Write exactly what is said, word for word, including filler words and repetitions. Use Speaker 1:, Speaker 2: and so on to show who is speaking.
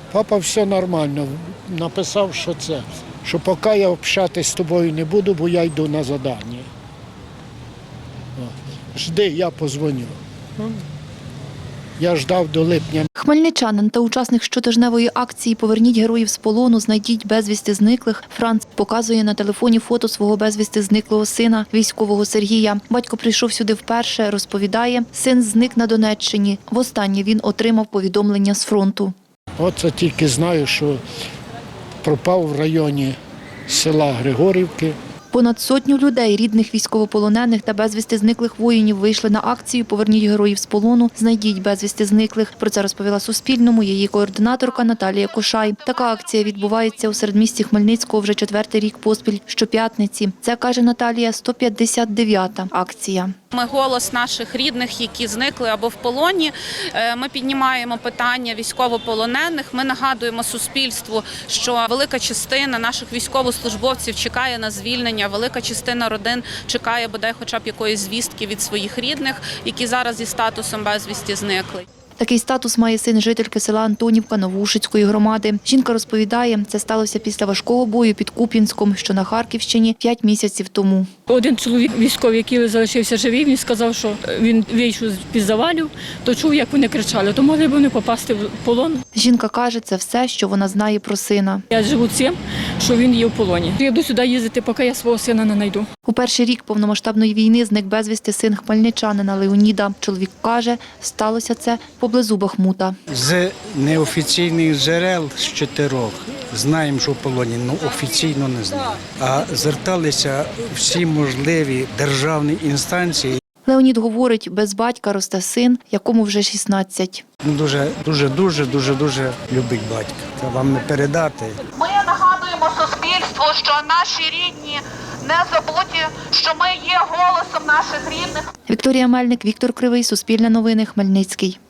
Speaker 1: Папа все нормально. Написав, що це, що поки я общатися з тобою не буду, бо я йду на завдання. Жди, я позвоню. Я ждав до липня.
Speaker 2: Хмельничанин та учасник щотижневої акції «Поверніть героїв з полону, знайдіть безвісти зниклих» Франц показує на телефоні фото свого безвісти зниклого сина, військового Сергія. Батько прийшов сюди вперше, розповідає, син зник на Донеччині. Востаннє він отримав повідомлення з фронту.
Speaker 1: Оце тільки знаю, що пропав в районі села Григорівки.
Speaker 2: Понад сотню людей, рідних військовополонених та безвісти зниклих воїнів, вийшли на акцію «Поверніть героїв з полону, знайдіть безвісти зниклих». Про це розповіла Суспільному її координаторка Наталія Кошай. Така акція відбувається у середмісті Хмельницького вже четвертий рік поспіль щоп'ятниці. Це, каже Наталія, сто п'ятдесят дев'ята акція.
Speaker 3: Ми голос наших рідних, які зникли або в полоні. Ми піднімаємо питання військовополонених. Ми нагадуємо суспільству, що велика частина наших військовослужбовців чекає на звільнення, велика частина родин чекає бодай хоча б якоїсь звістки від своїх рідних, які зараз зі статусом безвісті зникли.
Speaker 2: Такий статус має син жительки села Антонівка Новоушицької громади. Жінка розповідає, це сталося після важкого бою під Куп'янськом, що на Харківщині, п'ять місяців тому.
Speaker 4: Один чоловік військовий, який залишився живий, він сказав, що він вийшов з-під завалів, то чув, як вони кричали, то могли б вони попасти в полон.
Speaker 2: Жінка каже, це все, що вона знає про сина.
Speaker 4: Я живу цим, що він є в полоні. Я буду сюди їздити, поки я свого сина не знайду.
Speaker 2: У перший рік повномасштабної війни зник безвісти син хмельничанина Леоніда. Чоловік каже, сталося це поблизу Бахмута.
Speaker 5: З неофіційних джерел з чотирьох знаємо, що в полоні, але офіційно не знаємо. А зверталися всі можливі державні інстанції.
Speaker 2: Леонід говорить, без батька росте син, якому вже шістнадцять.
Speaker 5: Дуже, дуже, дуже, дуже, дуже любить батька. Це вам не передати.
Speaker 6: Ми нагадуємо суспільству, що наші рідні не забуті, що ми є голосом наших рідних.
Speaker 2: Вікторія Мельник, Віктор Кривий, Суспільне новини, Хмельницький.